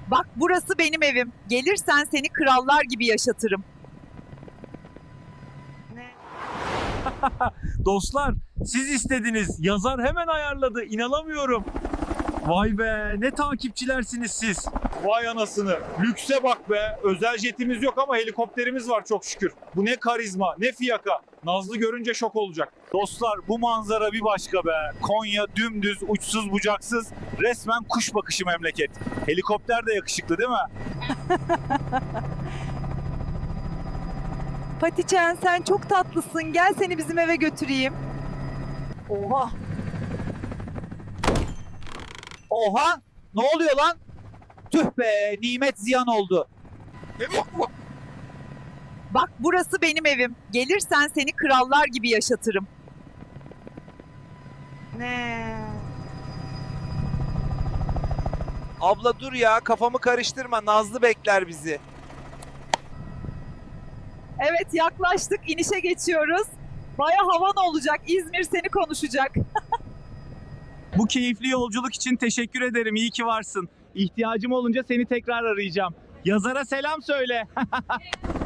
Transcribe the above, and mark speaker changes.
Speaker 1: Bak burası benim evim. Gelirsen seni krallar gibi yaşatırım.
Speaker 2: Dostlar, siz istediniz. Yazar hemen ayarladı. İnanamıyorum. Vay be, ne takipçilersiniz siz. Vay anasını. Lükse bak be. Özel jetimiz yok ama helikopterimiz var çok şükür. Bu ne karizma, ne fiyaka. Nazlı görünce şok olacak. Dostlar, bu manzara bir başka be. Konya dümdüz, uçsuz bucaksız. Resmen kuş bakışı memleket. Helikopter de yakışıklı değil mi?
Speaker 1: Patiçen sen çok tatlısın. Gel seni bizim eve götüreyim.
Speaker 3: Oha! Oha! Ne oluyor lan? Tüh be, nimet ziyan oldu.
Speaker 1: Bak burası benim evim. Gelirsen seni krallar gibi yaşatırım.
Speaker 4: Abla dur ya, kafamı karıştırma. Nazlı bekler bizi.
Speaker 1: Evet yaklaştık. İnişe geçiyoruz. Baya havan olacak. İzmir seni konuşacak.
Speaker 2: Bu keyifli yolculuk için teşekkür ederim. İyi ki varsın. İhtiyacım olunca seni tekrar arayacağım. Yazara selam söyle.